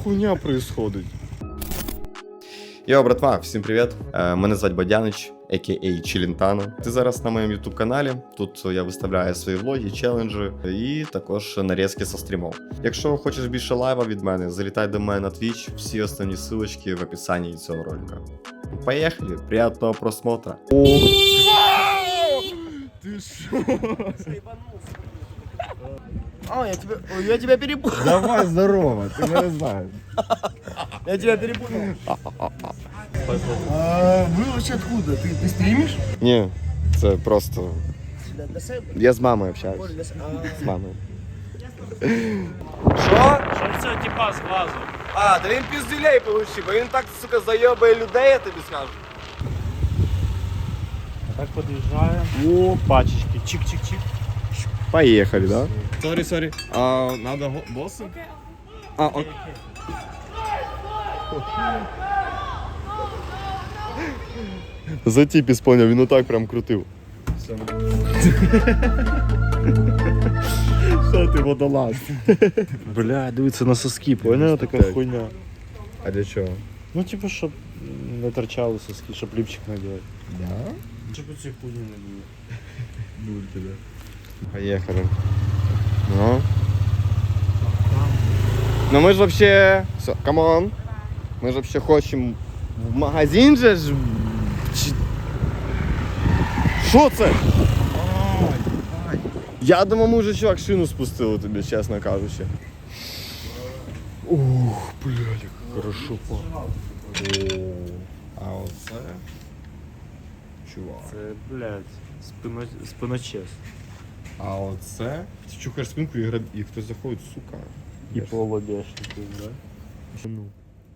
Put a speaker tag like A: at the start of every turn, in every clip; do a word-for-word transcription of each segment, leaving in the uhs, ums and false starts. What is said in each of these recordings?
A: хуйня происходить? Йо, братва, всім привіт. Мене звати Бодянич, а ка а. Челентано. Ти зараз на моєму ютуб каналі. Тут я виставляю свої влоги, челенджі і також нарізки со стрімов. Якщо хочеш більше лайва від мене, залітай до мене на Twitch. Всі основні ссылочки в описанні цього ролика. Поїхали, приятного просмотра.
B: Ты шо? А, я тебя, ой, я тебя перепутал.
A: Давай, здорово, ти мене знаєш.
B: Я тебя перепутал. А, вы вообще откуда? Ты, ты стримишь?
A: Ні, це просто...
B: Для, для себе?
A: Я з мамою общаюсь.
B: Коля, для себе. А.
A: З мамою.
C: Що? Що це типа з глазу?
A: А, да він піздюлей получив, бо він так, сука, зайобає людей, я тобі скажу.
C: Так під'їжджає. О, пачечки. Чик-чик-чик.
A: Поехали, да? Сори, сори. А, надо босса? А, он... За тип исполняв, він отак прям крутив. Що ти, водолаз?
C: Бля, дивиться на соски, поняла така хуйня.
A: А для чого?
C: Ну типу, щоб не торчали соски, щоб ліпчик надівати.
A: Да?
C: Щоб ці хуйні не було.
A: Буль тебе. Поехали. Ну? Ну мы же вообще... Все, камон. Мы же вообще хочем в магазин же ж... Що це? Я думав, ми вже чувак шину спустили тобі, чесно кажучи. Ух, блядь, як хорошо пахне. А оце... Чувак.
C: Це, блядь, спино... спиночес.
A: А оце... Ти чухаєш спинку і, граб... і хтось заходить, сука.
C: І полобешники, да?
A: Ну.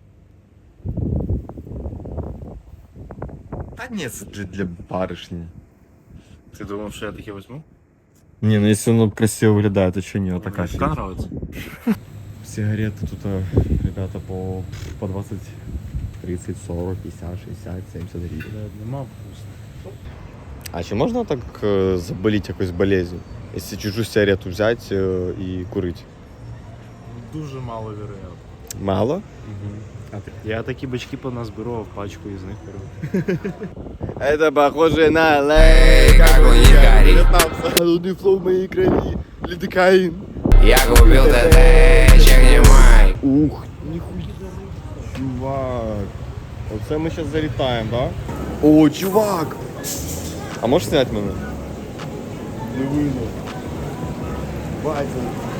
A: Та ні, це для, для барышні.
C: Ти думав, що я таке візьму?
A: Не, ну если оно красиво выглядит, то что не такая
C: Мені така нравиться.
A: Сигареты тут, а, ребята, по, по двадцать, тридцать, сорок, пятьдесят, шестьдесят, семьдесят гривен.
C: Блядь, нема вкусно.
A: А чи можна так э, заболеть якоюсь болезнью, если чужую сигарету взять э, и курить?
C: Дуже мало вероятно.
A: Мало?
C: Угу. А ти? Я такі бачки поназбирав, в пачку із них беру.
A: Это похоже на лей, как у них горит. Холодный флоу в моей крови, лидокаин.
D: Я купил ТТ, чек не май.
A: Ух, нихуя. Чувак. Оце ми зараз залітаємо, да? О, чувак! А можеш зняти мене? Не видно. Батя.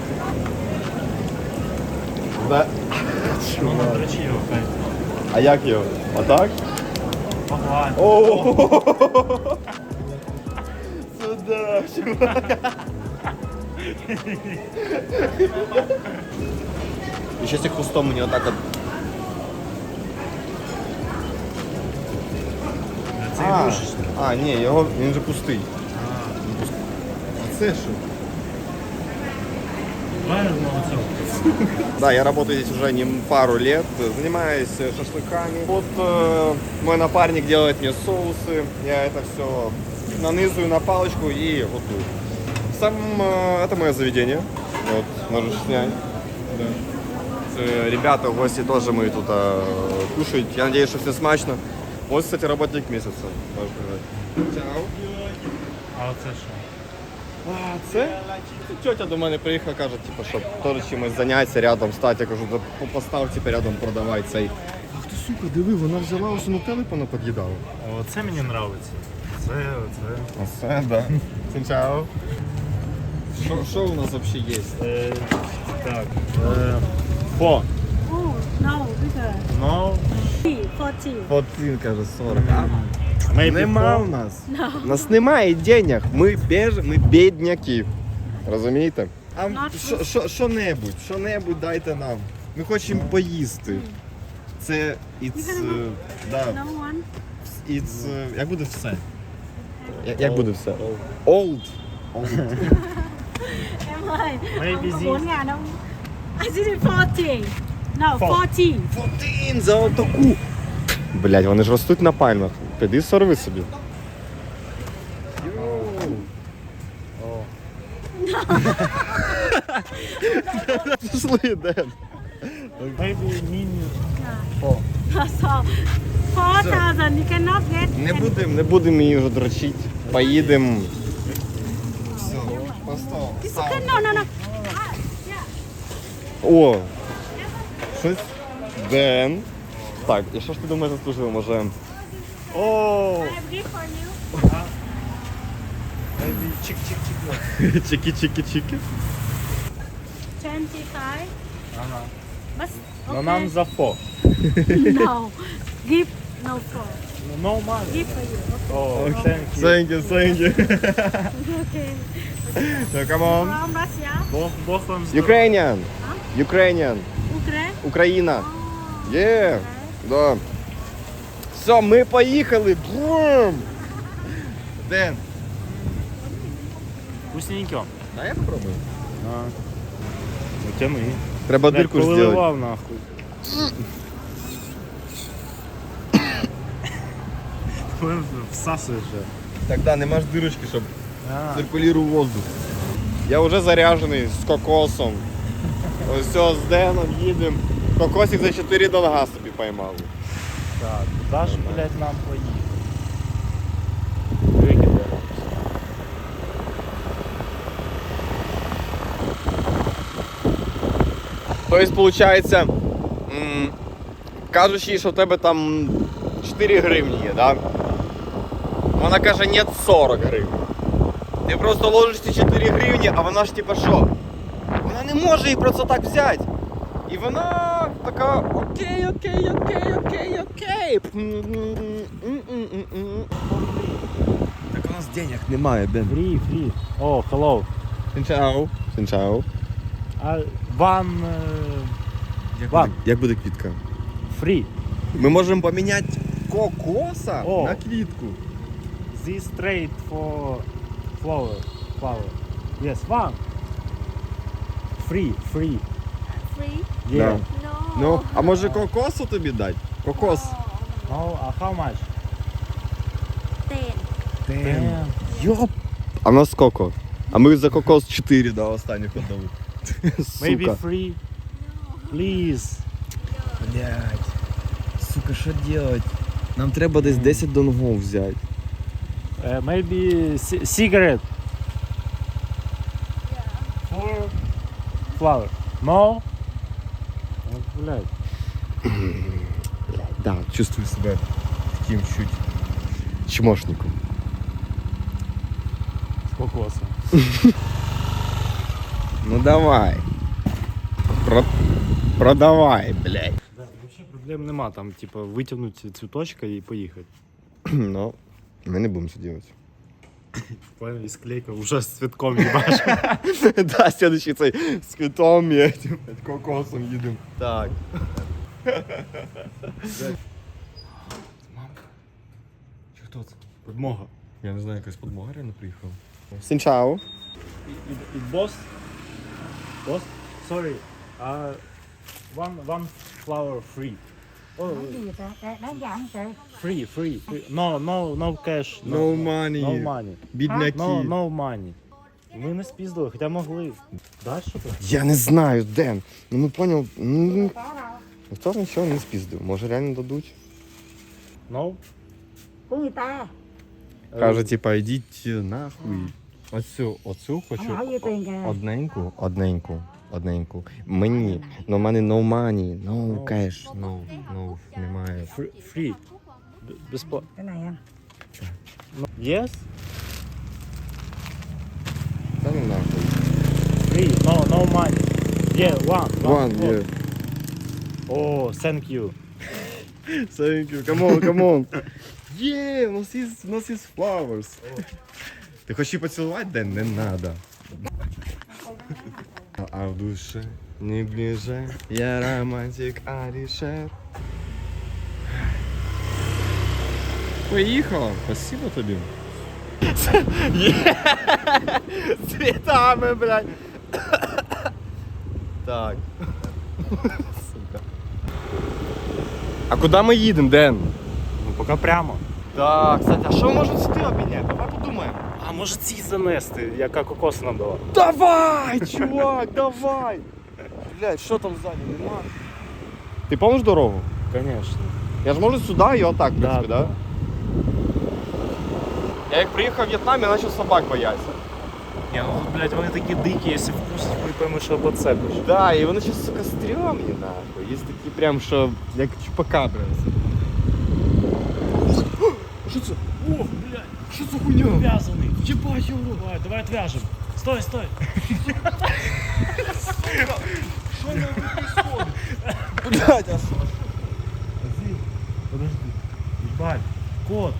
A: Да.
C: Ну, не дрочи його, хай.
A: А як його? Отак?
C: Погладь.
A: О! Сюда, чувак. І ще цим хвостом мені отак от.
C: Це
A: А,
C: ігрушечний.
A: а, ні, його, він же пустий. А це що?
C: Давай одного цього.
A: Да, я работаю здесь уже не пару лет, занимаюсь шашлыками. Вот э, мой напарник делает мне соусы, я это все нанизываю на палочку и вот тут. Сам э, это мое заведение, вот, можешь снять. Да. Э, Ребята, гости тоже мы тут э, кушают, я надеюсь, что все смачно. Вот, кстати, работник месяца, можно сказать. Чао.
C: А оце що?
A: А, це? Тетя до мене приїхала, каже, типу, щоб теж чимось зайнятися рядом стати. Я кажу, да постав типу, рядом продавай цей. Ах ти, сука, диви, вона взяла ось на телефона під'їдала.
C: Оце мені подобається. Це, оце.
A: Оце, да. Сенчао. Що, що у нас взагалі є?
C: Е, так. Е, фо.
E: Oh, no, bigger.
C: No.
E: forty.
A: Один, каже, сорок.
C: Maybe
A: Нема
C: four.
A: у нас. У нас немає денег. Ми, беж... Ми бідняки. Розумієте? А
E: Not
A: що- що- що-небудь, що-небудь дайте нам. Ми хочемо поїсти. Це it's, е, да,
E: No one.
A: it's, е, як буде все? Як, як буде все? Old.
E: Em ơi,
C: Maybe
E: ông có
C: this.
E: bốn ngàn không? I did it forty. No,
C: Four.
E: forty.
A: Один за отаку. Блять, вони ж ростуть на пальмах. Піди сорви собі. Пішли, Ден.
C: Maybe mini.
E: Yeah. That's all. Four thousand. You cannot get.
A: Не будемо, не будемо її вже дрочити. Поїдемо. Все, постав.
E: It's okay. No, no, no. Ah, yeah.
A: О! Щось. Ден. Так, і що ж ти думаєш заслужив, може?
C: О,
E: I have gift for you.
C: maybe чик-чик-чик.
A: Чики-чики-чики.
E: Twenty-five.
C: Ага.
E: But
C: Но
E: okay.
C: нам за фо.
E: No. Gift no for.
C: No money.
E: Gift for you. Okay.
C: Oh, thank you.
A: Thank you, thank you.
E: Okay.
A: So, come on.
E: From Russia.
C: Бог, Бог вам здоров'я.
A: Ukrainian. Ukrainian.
E: Ukraine.
A: Україна.
E: Oh.
A: Є. Да. Все, ми поїхали. Бум! Ден.
C: Вкусненько.
A: А я попробую.
C: А. Ну, тяни.
A: Треба
C: Блядь,
A: дирку зробити.
C: повиливав нахуй. Всасуєш же.
A: Так, да, нема ж дирочки, щоб
C: А.
A: циркулював воздух. Я вже заряджений з кокосом. Ось все, з Деном їдемо. Кокосик за чотири долга собі поймали.
C: Так, куди ж, блядь, нам поїхати? Викиде.
A: Тобто, виходить, м, кажуть їй, що в тебе там чотири гривні є, да? Вона каже, ні, сорок гривень. Ти просто ложиш ці чотири гривні, а вона ж типа що? Вона не може їх просто так взяти. І вона така, окей, окей, окей, окей, окей. Так у нас денег немає, Ден.
C: Фрі, фрі. О, hello.
A: Сінчао. Сінчао.
C: А вам
A: Як
C: Ладно.
A: буде, як буде квітка?
C: фрі.
A: Ми можемо поміняти кокоса
C: О.
A: на квітку.
C: This trade for flower. Flower. Yes, one. Free, free.
E: Free?
C: Yeah.
A: Да.
E: No.
A: Ну, а може кокосу тобі дати? Кокос.
C: No, а how much?
E: Ten.
C: Damn.
A: Йоп. А в нас коко. А ми за кокос чотири, да, останніх віддали.
C: Maybe
A: Сука.
C: free. Please.
A: Блядь. Сука, що делать? Нам треба десь десять донгов взяти.
C: Uh, maybe ci- cigarette. For flower. No? От, блядь.
A: Да, чувствую себе таким чуть чмошником.
C: З кокосом.
A: Ну давай. Про... Продавай, блядь.
C: Да, вообще проблем нема, там, типа, витягнути цвіточка і поїхати.
A: Ну, ми не будемо це робити.
C: Понял, і склейка вже з цвітком їбаш.
A: Да, следующий цей з квітом і этим, кокосом їдемо. Так. Чи хто це?
C: Подмога.
A: Я не знаю, якась подмога реально приїхала. Сінчао.
C: І бос? Бос? Sorry. Uh, one, one flower free. Oh, free, free, free. No, no, no cash.
A: No money.
C: No money.
A: Бідняки.
C: No, no money. Ми не спіздили, хоча могли. Дай що ти?
A: Я не знаю, Ден. Ну ми поняв. Ну, ніхто нічого не спіздив. Може реально дадуть.
C: No?
A: Каже, типа, йдіть нахуй. Оцю, оцю хочу. Одненьку, одненьку, одненьку. Мені. Но в мене no money, no cash, no, no, немає.
C: Free. Free. Б- Безплатно. No. Yes?
A: Та ну нахуй.
C: Free. No, no money. Yeah, one.
A: One, yeah.
C: Oh, thank you.
A: Thank you, come on, come on. Є, у нас є, у нас є flowers. Ти хочеш її поцілувати, Ден? Не надо. А в душе не ближе, я романтик Алішер. Поїхала, спасибо тобі. З цвітами, блядь. Так. Сука. А куди ми їдемо, Ден?
C: Ну, поки прямо.
A: Так, кстати, а що можуть сюди обміняти? Давай подумаємо.
C: А може ці занести, яка кокос нам дала?
A: Давай, чувак, давай! Блядь, що там ззаді, нема? Ти помниш дорогу?
C: Конечно.
A: Я ж можу сюди і отак, в принципі, да?
C: да.
A: Я як приїхав в В'єтнам, я почав собак боятися.
C: Ні, ну, блядь, вони такі дикі, якщо вкусить, ми поймемо, що поцепиш.
A: Да, і вони ще, сука, стрьомні, нахуй. Є такі прям, що як чупакабри. Що це?
C: О, блядь,
A: Що це хуйня?
C: в'язаний. Єбать його. Давай, давай отвяжем. Стой, стой.
A: Що нам происходит? Блядь, а що?
C: Подожди. Ебать, кот.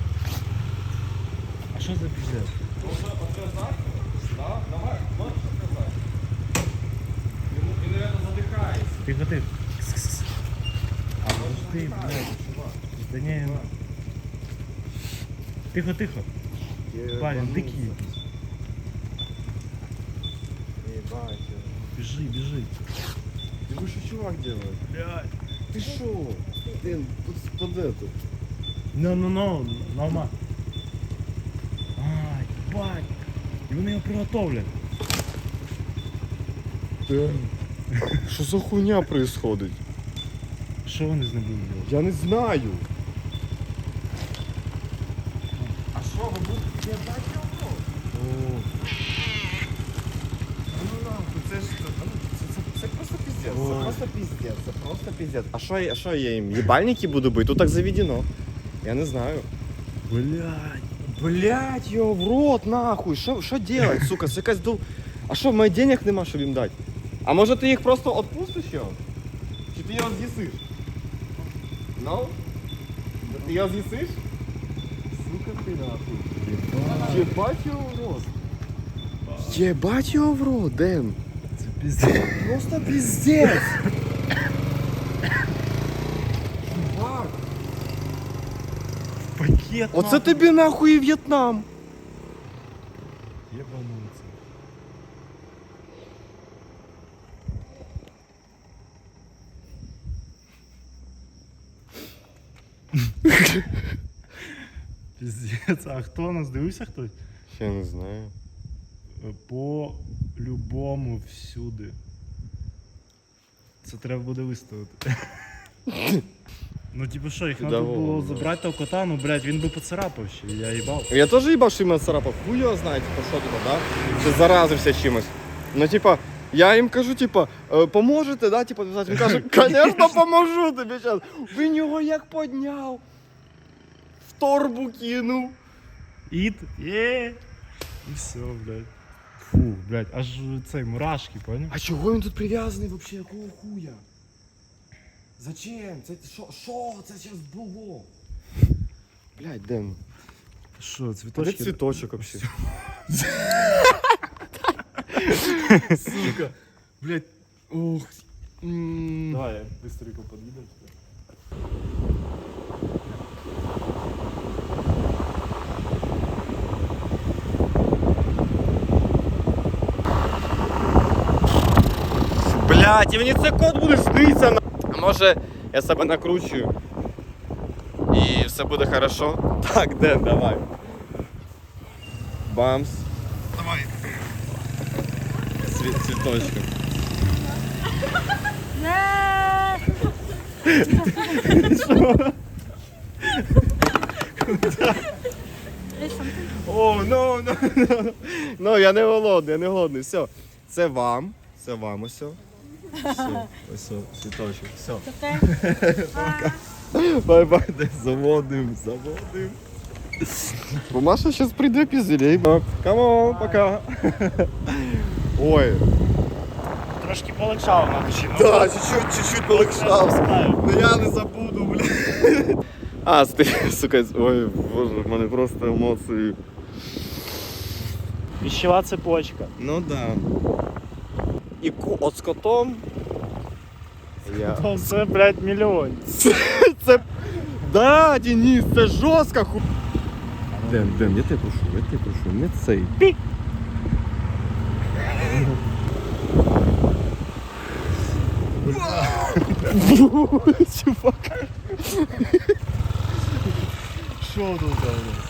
C: А що за пиздец?
A: Можна отв'язати? Да, давай, можеш отв'язати. Він, він, наверное, задихається.
C: Тихо, тихо. А подожди, блядь. Да не, ну. Тихо, тихо. Парень, дикий.
A: Ебать.
C: Бежи, бежи.
A: Ты вы что, чувак делает?
C: Блядь.
A: Ты шо? Блин, под, под эту.
C: Ну, ну, ну, нормально. Ай, ебать. І вони його приготовлять.
A: Что за хуйня происходит?
C: Що вони з ним будуть робити?
A: Я не знаю. А що, ви будете бачити? Ну нахуй, це ж це, це, це просто пиздец. Це
C: Ой.
A: просто пиздец, це просто пиздец. А що, я- що я їм? Єбальники буду бити? Тут так заведено. Я не знаю.
C: Блядь.
A: Блять, його в рот, нахуй. Що, що делать, сука? Це якась дол... А що, в мене денег нема, щоб їм дати? А може ти їх просто відпустиш його? Чи ти його з'їсиш? Ну? Ти його з'їсиш? Сука ти нахуй. Єбать його в рот. Єбать його в рот, Ден.
C: Це пиздец.
A: Просто пиздец. Чувак.
C: Пакет.
A: Оце
C: нахуй.
A: тобі нахуй і В'єтнам.
C: Єбануться. Пиздец, а хто у нас? Дивився хтось?
A: Я не знаю.
C: По-любому всюди. Це треба буде виставити. Ну типу що, їх треба
A: Чудово,
C: було
A: да.
C: забрати того кота, ну блядь, він би поцарапав ще, я їбав.
A: Я теж їбав, що іменно царапав. Хуй його знає, типа, що типа, да? Чи заразився чимось. Ну, типа, я їм кажу, типа, «Е, поможете, да, типа, він каже, звісно, поможу тобі зараз. Він його як підняв. В торбу кинув.
C: Іт, є. І все, блядь. Фу, блядь, аж цей мурашки, поняв?
A: А чого він тут прив'язаний вообще, якого хуя? Зачем? Це що? Що це зараз було? Блядь, Ден,
C: Що,
A: де
C: цвіточки?
A: цвіточок вообще? Сука. Блядь, ух. М.
C: Давай, я быстренько подъеду.
A: Блядь, і мені це кот буде сниться на... А може я себе накручую і все буде хорошо? Так, Ден, давай. Бамс. Давай. Цвіт, цвіточком.
E: Не.
A: О, ну, ну, ну. Ну, я не голодний, я не голодний. Все. Це вам. Це вам ось. Все. Ось, цвіточок. Все.
E: Таке.
A: Бай-бай, десь заводим, заводим. Бо Маша зараз прийде пізелей. Камон, пока. Ой.
C: Трошки полегшало на душі. ну,
A: Да, чуть-чуть, чуть-чуть полегшав.
C: знаю.
A: Ну я не забуду, блядь. А, ти, сука, ой, боже, в мене просто емоції.
C: Пищева цепочка.
A: Ну да. І ку... от з котом. Я...
C: То це, блядь, мільйон.
A: Це... Да, Денис, це жорстко ху... Ден, Ден, я тебе прошу, я тебе прошу, не цей.
C: Пік.
A: Чувак.
C: Що тут у нас?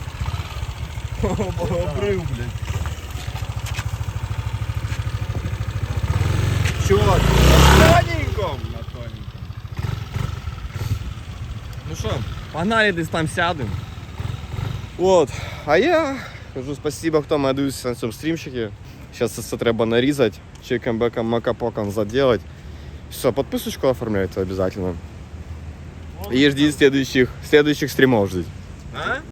C: Обрив, блядь.
A: Чувак, на тоненьком.
C: На тоненьком.
A: Погнали, десь там сядем. Вот. А я кажу спасибо, хто мене дивився на цьому стрімчикі. Сейчас це треба нарізати, чеком, беком, макапоком заделать. Все, подписочку оформляйте обязательно. И ждите следующих, следующих стримов ждите.